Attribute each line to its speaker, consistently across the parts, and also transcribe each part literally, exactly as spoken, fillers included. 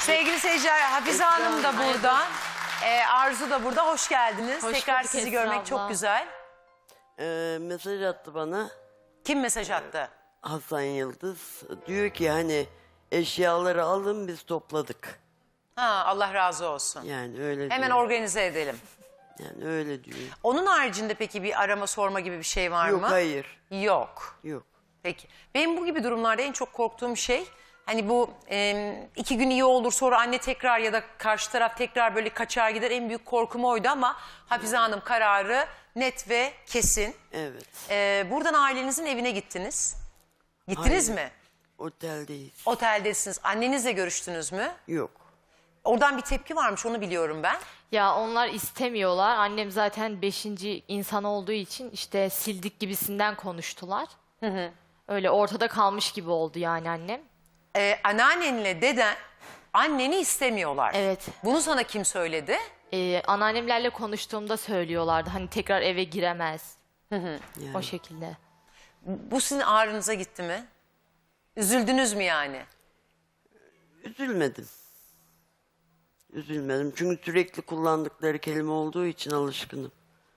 Speaker 1: Sevgili seyirciler, Hafize Hanım da burada. Ee, Arzu da burada. Hoş geldiniz.
Speaker 2: Hoş
Speaker 1: Tekrar
Speaker 2: bulduk
Speaker 1: sizi
Speaker 2: Esra
Speaker 1: görmek
Speaker 2: abla.
Speaker 1: çok güzel.
Speaker 3: Ee, mesaj attı bana
Speaker 1: Kim mesaj attı?
Speaker 3: Hasan Yıldız. Diyor ki hani eşyaları alın biz topladık.
Speaker 1: Ha, Allah razı olsun.
Speaker 3: Yani öyle
Speaker 1: Hemen
Speaker 3: diyor.
Speaker 1: organize edelim.
Speaker 3: Yani öyle diyor.
Speaker 1: Onun haricinde peki bir arama sorma gibi bir şey var
Speaker 3: Yok
Speaker 1: mı?
Speaker 3: hayır.
Speaker 1: Yok.
Speaker 3: Yok.
Speaker 1: Peki. Benim bu gibi durumlarda en çok korktuğum şey hani bu e, iki gün iyi olur sonra anne tekrar ya da karşı taraf tekrar böyle kaçar gider, en büyük korkum oydu ama Hafize Hanım kararı net ve kesin.
Speaker 3: Evet.
Speaker 1: E, buradan ailenizin evine gittiniz. Gittiniz
Speaker 3: Hayır.
Speaker 1: mi?
Speaker 3: Oteldeyiz.
Speaker 1: Oteldesiniz. Annenizle görüştünüz mü?
Speaker 3: Yok.
Speaker 1: Oradan bir tepki varmış, onu biliyorum ben.
Speaker 2: Ya onlar istemiyorlar. Annem zaten beşinci insan olduğu için işte sildik gibisinden konuştular. Hı hı. Öyle ortada kalmış gibi oldu yani annem.
Speaker 1: Ee, anneannenle deden anneni istemiyorlar.
Speaker 2: Evet.
Speaker 1: Bunu sana kim söyledi?
Speaker 2: Ee, anneannemlerle konuştuğumda söylüyorlardı. Hani tekrar eve giremez.
Speaker 3: Yani.
Speaker 2: O şekilde.
Speaker 1: Bu sizin ağrınıza gitti mi? Üzüldünüz mü yani?
Speaker 3: Üzülmedim. Üzülmedim. Çünkü sürekli kullandıkları kelime olduğu için alışkınım.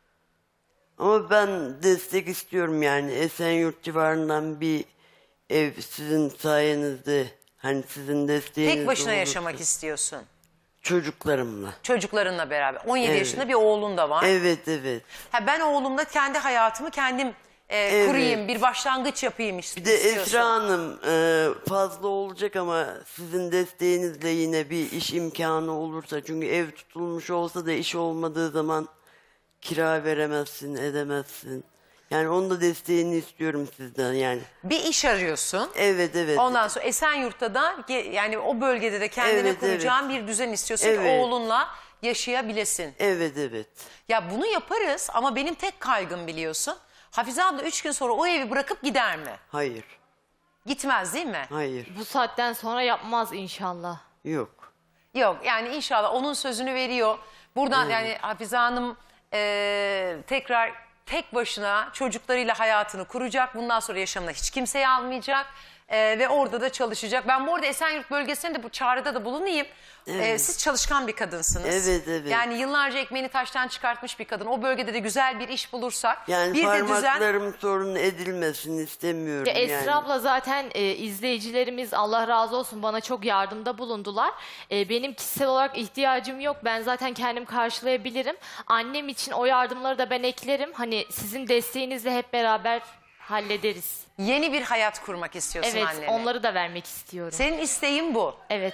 Speaker 3: Ama ben destek istiyorum yani. Esenyurt civarından bir ev sizin sayenizde, hani sizin desteğiniz
Speaker 1: Tek başına
Speaker 3: olursa-
Speaker 1: yaşamak istiyorsun.
Speaker 3: Çocuklarımla.
Speaker 1: Çocuklarınla beraber. on yedi
Speaker 3: Evet.
Speaker 1: yaşında bir oğlun da var.
Speaker 3: Evet evet.
Speaker 1: Ha, ben oğlumla kendi hayatımı kendim e,
Speaker 3: Evet.
Speaker 1: kurayım, bir başlangıç yapayım ist-
Speaker 3: Bir de
Speaker 1: istiyorsun.
Speaker 3: Esra Hanım e, fazla olacak ama sizin desteğinizle yine bir iş imkanı olursa, çünkü ev tutulmuş olsa da iş olmadığı zaman kira veremezsin, edemezsin. Yani onun da desteğini istiyorum sizden yani.
Speaker 1: Bir iş arıyorsun.
Speaker 3: Evet evet.
Speaker 1: Ondan sonra Esenyurt'ta da ge- yani o bölgede de kendine
Speaker 3: Evet,
Speaker 1: kuracağın bir düzen istiyorsun ki
Speaker 3: Evet.
Speaker 1: oğlunla yaşayabilesin.
Speaker 3: Evet evet.
Speaker 1: Ya bunu yaparız ama benim tek kaygım biliyorsun. Hafize abla üç gün sonra o evi bırakıp gider mi?
Speaker 3: Hayır.
Speaker 1: Gitmez değil mi?
Speaker 3: Hayır.
Speaker 2: Bu saatten sonra yapmaz inşallah.
Speaker 3: Yok.
Speaker 1: Yok yani inşallah onun sözünü veriyor. Buradan yani Hafize Hanım e, tekrar tek başına çocuklarıyla hayatını kuracak. Bundan sonra yaşamına hiç kimseyi almayacak. E, ve orada da çalışacak. Ben bu arada Esenyurt bölgesinde de bu çağrıda da bulunayım. E, siz çalışkan bir kadınsınız.
Speaker 3: Evet, evet.
Speaker 1: Yani yıllarca ekmeğini taştan çıkartmış bir kadın. O bölgede de güzel bir iş bulursak.
Speaker 3: Yani
Speaker 1: bir de düzen...
Speaker 3: parmaklarım sorun edilmesin istemiyorum
Speaker 2: Ya Esra
Speaker 3: yani.
Speaker 2: abla zaten e, izleyicilerimiz Allah razı olsun bana çok yardımda bulundular. E, benim kişisel olarak ihtiyacım yok. Ben zaten kendim karşılayabilirim. Annem için o yardımları da ben eklerim. Hani sizin desteğinizle hep beraber hallederiz.
Speaker 1: Yeni bir hayat kurmak istiyorsun
Speaker 2: Evet,
Speaker 1: annene.
Speaker 2: onları da vermek istiyorum.
Speaker 1: Senin isteğin bu.
Speaker 2: Evet.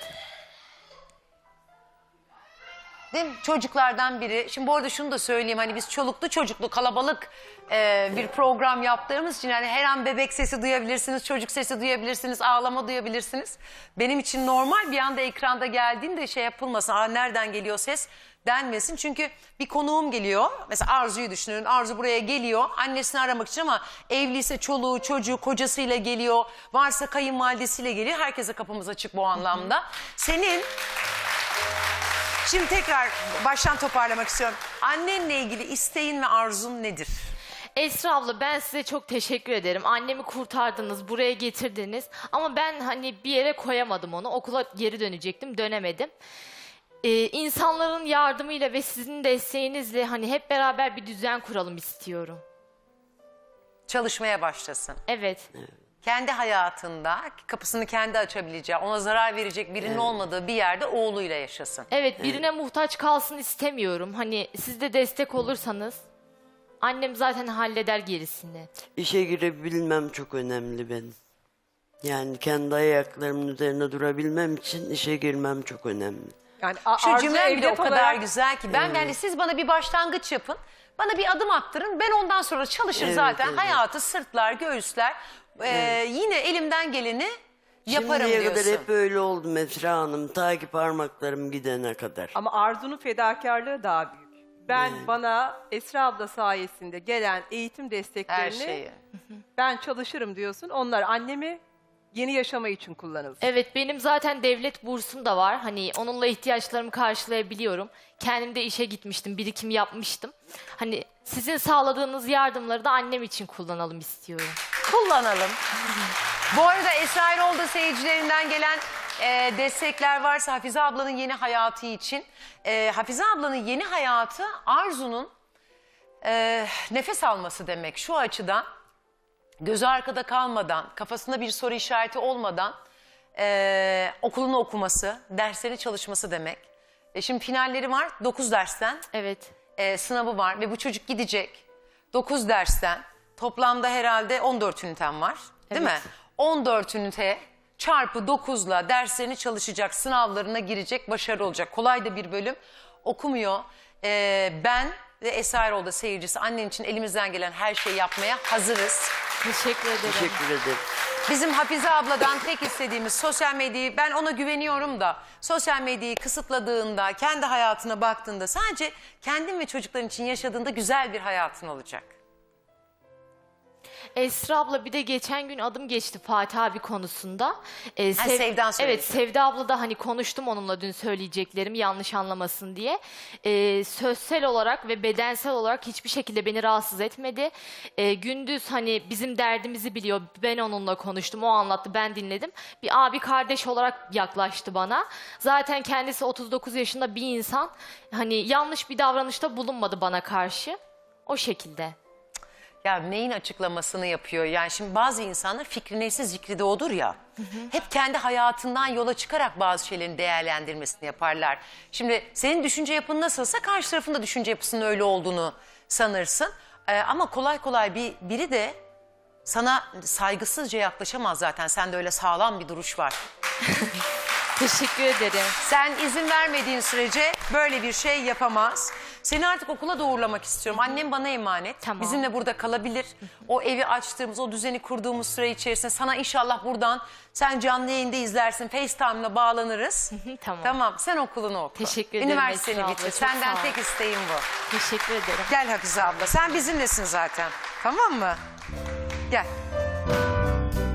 Speaker 1: Değil mi? Çocuklardan biri. Şimdi bu arada şunu da söyleyeyim. Hani biz çoluklu çocuklu kalabalık e, bir program yaptığımız için yani her an bebek sesi duyabilirsiniz, çocuk sesi duyabilirsiniz, ağlama duyabilirsiniz. Benim için normal, bir anda ekranda geldiğinde şey yapılmasın. Aa, nereden geliyor ses denmesin. Çünkü bir konuğum geliyor. Mesela Arzu'yu düşünün. Arzu buraya geliyor. Annesini aramak için ama evliyse çoluğu, çocuğu, kocasıyla geliyor. Varsa kayınvalidesiyle geliyor. Herkese kapımız açık bu anlamda. Senin... Şimdi tekrar baştan toparlamak istiyorum. Annenle ilgili isteğin ve arzun nedir?
Speaker 2: Esra abla ben size çok teşekkür ederim. Annemi kurtardınız, buraya getirdiniz. Ama ben hani bir yere koyamadım onu. Okula geri dönecektim, dönemedim. Ee, insanların yardımıyla ve sizin desteğinizle hani hep beraber bir düzen kuralım istiyorum.
Speaker 1: Çalışmaya başlasın.
Speaker 2: Evet.
Speaker 1: Kendi hayatında kapısını kendi açabileceği, ona zarar verecek birinin olmadığı bir yerde oğluyla yaşasın.
Speaker 2: Evet, birine muhtaç kalsın istemiyorum. Hani siz de destek olursanız annem zaten halleder gerisini.
Speaker 3: İşe girebilmem çok önemli benim. Yani kendi ayaklarımın üzerine durabilmem için işe girmem çok önemli.
Speaker 4: Yani a-
Speaker 1: Şu
Speaker 4: Arzu
Speaker 1: cümlem bile o
Speaker 4: evlat
Speaker 1: kadar
Speaker 4: olarak-
Speaker 1: güzel ki. Ben yani siz bana bir başlangıç yapın. Bana bir adım attırın. Ben ondan sonra çalışır
Speaker 3: Evet,
Speaker 1: zaten.
Speaker 3: evet.
Speaker 1: Hayatı sırtlar, göğüsler. Ee, yine elimden geleni yaparım
Speaker 3: Şimdiye
Speaker 1: diyorsun.
Speaker 3: kadar hep öyle oldu Esra Hanım. Ta ki parmaklarım gidene kadar.
Speaker 4: Ama Arzu'nun fedakarlığı daha büyük. Ben bana Esra abla sayesinde gelen eğitim
Speaker 1: Her
Speaker 4: desteklerini
Speaker 1: şeyi.
Speaker 4: ben çalışırım diyorsun. Onlar annemi yeni yaşama için kullanılsın.
Speaker 2: Evet, benim zaten devlet bursum da var. Hani onunla ihtiyaçlarımı karşılayabiliyorum. Kendim de işe gitmiştim, birikim yapmıştım. Hani sizin sağladığınız yardımları da annem için kullanalım istiyorum.
Speaker 1: Kullanalım. Bu arada Esra Erol da seyircilerinden gelen e, destekler varsa Hafize ablanın yeni hayatı için. E, Hafize ablanın yeni hayatı Arzu'nun e, nefes alması demek. Şu açıdan gözü arkada kalmadan, kafasında bir soru işareti olmadan e, okulunu okuması, derslerini çalışması demek. E, şimdi finalleri var dokuz dersten.
Speaker 2: Evet.
Speaker 1: E, sınavı var ve bu çocuk gidecek dokuz dersten toplamda herhalde on dört ünitem var değil
Speaker 2: Evet.
Speaker 1: mi? on dört ünite çarpı dokuzla derslerini çalışacak, sınavlarına girecek, başarılı olacak. Kolay da bir bölüm okumuyor. E, ben ve Esaroğlu da seyircisi annen için elimizden gelen her şeyi yapmaya hazırız.
Speaker 2: Teşekkür ederim.
Speaker 3: Teşekkür ederim.
Speaker 1: Bizim Hafize abladan tek istediğimiz sosyal medyayı, ben ona güveniyorum da sosyal medyayı kısıtladığında, kendi hayatına baktığında sadece kendin ve çocukların için yaşadığında güzel bir hayatın olacak.
Speaker 2: Esra abla bir de geçen gün adım geçti Fatih abi konusunda. Ee,
Speaker 1: Ha, Sevdan söyledi.
Speaker 2: Evet, Sevda abla da hani konuştum onunla dün söyleyeceklerim yanlış anlamasın diye. Ee, sözsel olarak ve bedensel olarak hiçbir şekilde beni rahatsız etmedi. Ee, gündüz hani bizim derdimizi biliyor. Ben onunla konuştum, o anlattı, ben dinledim. Bir abi kardeş olarak yaklaştı bana. Zaten kendisi otuz dokuz yaşında bir insan. Hani yanlış bir davranışta bulunmadı bana karşı. O şekilde.
Speaker 1: Ya neyin açıklamasını yapıyor? Yani şimdi bazı insanlar fikri neyse zikri de odur ya. Hep kendi hayatından yola çıkarak bazı şeylerin değerlendirmesini yaparlar. Şimdi senin düşünce yapın nasılsa karşı tarafın da düşünce yapısının öyle olduğunu sanırsın. Ee, ama kolay kolay bir biri de sana saygısızca yaklaşamaz zaten. Sende öyle sağlam bir duruş var.
Speaker 2: Teşekkür ederim.
Speaker 1: Sen izin vermediğin sürece böyle bir şey yapamaz. Seni artık okula da uğurlamak istiyorum. Annem bana emanet.
Speaker 2: Tamam.
Speaker 1: Bizimle burada kalabilir. O evi açtığımız, o düzeni kurduğumuz süre içerisinde sana inşallah buradan sen canlı yayında izlersin. FaceTime'la bağlanırız.
Speaker 2: Tamam.
Speaker 1: Tamam, sen okulunu oku.
Speaker 2: Teşekkür ederim
Speaker 1: Üniversiteni
Speaker 2: Esra abla,
Speaker 1: bitir.
Speaker 2: çok
Speaker 1: Senden
Speaker 2: sağ ol.
Speaker 1: tek isteğim bu.
Speaker 2: Teşekkür ederim.
Speaker 1: Gel Hafize abla. Sen bizimlesin zaten. Tamam mı? Gel.